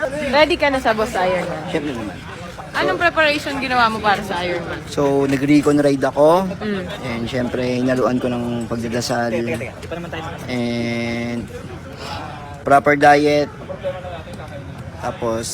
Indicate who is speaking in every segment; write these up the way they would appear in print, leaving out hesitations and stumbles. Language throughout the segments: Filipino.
Speaker 1: Ready ka na sa Boss Ironman?
Speaker 2: Siyempre naman.
Speaker 1: Anong preparation ginawa mo para sa Ironman?
Speaker 2: So, nag-recon ride ako. And syempre, hinaluan ko ng pagdadasal. And proper diet. Tapos,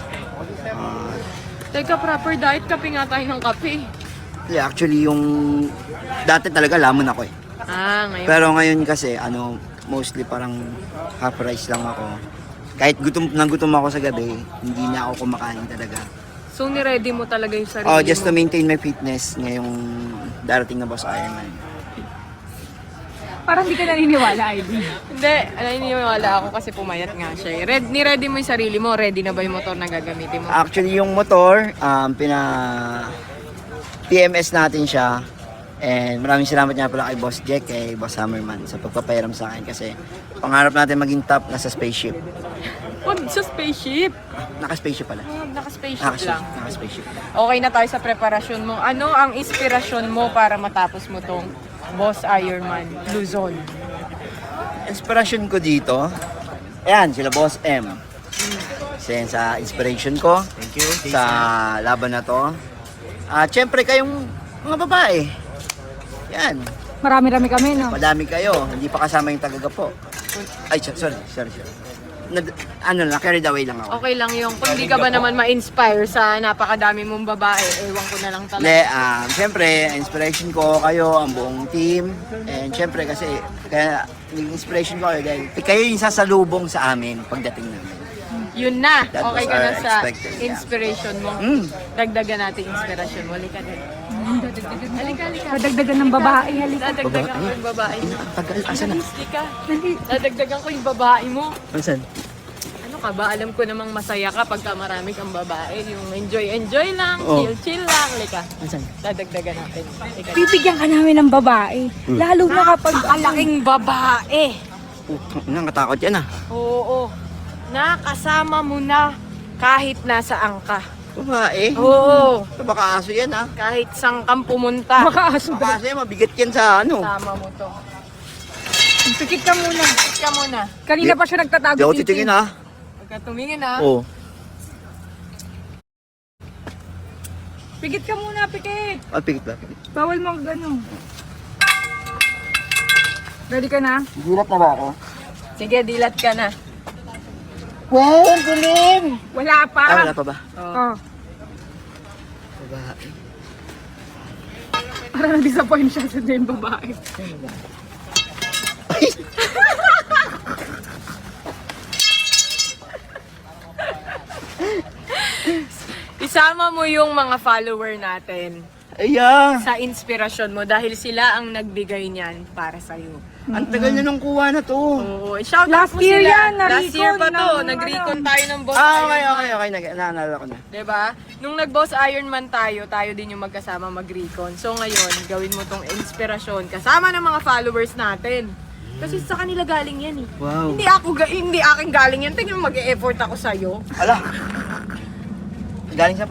Speaker 1: Teka, proper diet, kape nga tayo ng kape.
Speaker 2: yeah, actually yung dati talaga lamon ako eh.
Speaker 1: Ngayon.
Speaker 2: Pero ngayon kasi, mostly parang half rice lang ako. Kahit gutom ako sa gabi, hindi na ako kumakain talaga.
Speaker 1: So, ni-ready mo talaga yung sarili
Speaker 2: Oh, just
Speaker 1: mo?
Speaker 2: to maintain my fitness ngayong darating na Boss Ironman.
Speaker 3: Parang hindi ka naniniwala, Ivy.
Speaker 1: Hindi, naniniwala ako kasi pumayat nga siya. Ni-ready mo yung sarili mo? Ready na ba yung motor na gagamitin mo?
Speaker 2: Actually, yung motor, PMS natin siya. And maraming salamat nga pala kay Boss Jack, kay Boss Hammerman sa pagpapairam sa akin kasi pangarap natin maging top nasa spaceship.
Speaker 1: Huwag sa spaceship.
Speaker 2: Naka-spaceship pala.
Speaker 1: Naka-spaceship lang.
Speaker 2: Naka-spaceship.
Speaker 1: Okay na tayo sa preparasyon mo. Ano ang inspirasyon mo para matapos mo tong Boss Ironman Luzon?
Speaker 2: Inspiration ko dito, ayan, sila Boss M. Kasi sa inspiration ko, thank you, sa laban na to. Siyempre kayong mga babae. Yan,
Speaker 3: Marami-rami kami, no?
Speaker 2: madami kayo, hindi pa kasama yung tagagapo. Ay, sorry. Carried away lang ako.
Speaker 1: Okay lang yung kung di ka ba naman ma-inspire sa napakadami mong babae, ewan ko na lang talaga.
Speaker 2: Hindi, siyempre, inspiration ko kayo, ang buong team. And siyempre kasi, kaya naging inspiration ko kayo dahil kayo yung sasalubong sa amin pagdating namin.
Speaker 1: Yun na,
Speaker 2: That
Speaker 1: okay
Speaker 2: was
Speaker 1: ka na
Speaker 2: our
Speaker 1: sa
Speaker 2: expected, yeah.
Speaker 1: inspiration mo. Dagdagan natin inspirasyon mo. Halika din. Halika.
Speaker 3: Madagdagan ng babae, halika.
Speaker 1: Dadagdagan ko yung babae mo.
Speaker 2: Tagal, asa na?
Speaker 1: Halika. Dadagdagan ko yung babae mo.
Speaker 2: Saan?
Speaker 1: Ano ka ba? Alam ko namang masaya ka pagka marami kang babae. Yung enjoy lang,
Speaker 2: Oo.
Speaker 1: chill lang. Halika.
Speaker 2: Saan?
Speaker 1: Dadagdagan natin. Halika.
Speaker 3: Bibigyan ka namin ng babae. Lalo na kapag
Speaker 1: Napakalaking babae.
Speaker 2: Nakatakot yan
Speaker 1: Oo. Nakasama mo na kahit nasaan ka.
Speaker 2: Babae?
Speaker 1: Oo.
Speaker 2: Baka aso yan
Speaker 1: Kahit saan kang pumunta.
Speaker 3: makaaso.
Speaker 2: Baka aso yan, mabigat yan sa
Speaker 1: Sama mo to.
Speaker 3: Pikit ka muna.
Speaker 1: Sit ka muna.
Speaker 3: Kanina pa siya nagtatago.
Speaker 2: Di ako titingin
Speaker 1: Pagka tumingin
Speaker 2: Oo.
Speaker 3: Pikit ka muna, pikit.
Speaker 2: Pikit ba?
Speaker 3: Bawal mo gano'n. Ready ka na?
Speaker 2: Gulat na ba ako?
Speaker 1: Sige, dilat ka na.
Speaker 2: Wow, ang galing!
Speaker 3: Wala pa.
Speaker 2: Wala pa ba?
Speaker 3: Oh.
Speaker 2: Babae.
Speaker 3: Parang na-disappoint siya sa yung babae.
Speaker 1: Isama mo yung mga follower natin
Speaker 2: Ayan!
Speaker 1: sa inspirasyon mo dahil sila ang nagbigay niyan para sa'yo.
Speaker 2: Ang tagal na nung kuha na to.
Speaker 1: Oo, shout out
Speaker 3: Last
Speaker 1: mo
Speaker 3: year
Speaker 1: sila.
Speaker 3: yan,
Speaker 1: Last year pa to.
Speaker 3: na-recon ng
Speaker 1: Nag-recon
Speaker 3: ano.
Speaker 1: tayo ng Boss
Speaker 2: Okay.
Speaker 1: Ironman.
Speaker 2: Naalala ko na.
Speaker 1: Diba? Nung nag-Boss Ironman tayo din yung magkasama mag-recon. So ngayon, gawin mo tong inspirasyon kasama ng mga followers natin. Kasi sa kanila galing yan eh.
Speaker 2: Wow.
Speaker 1: Hindi akin galing yan. Tingnan mo mag-e-effort ako sa'yo.
Speaker 2: Ala! Galing sa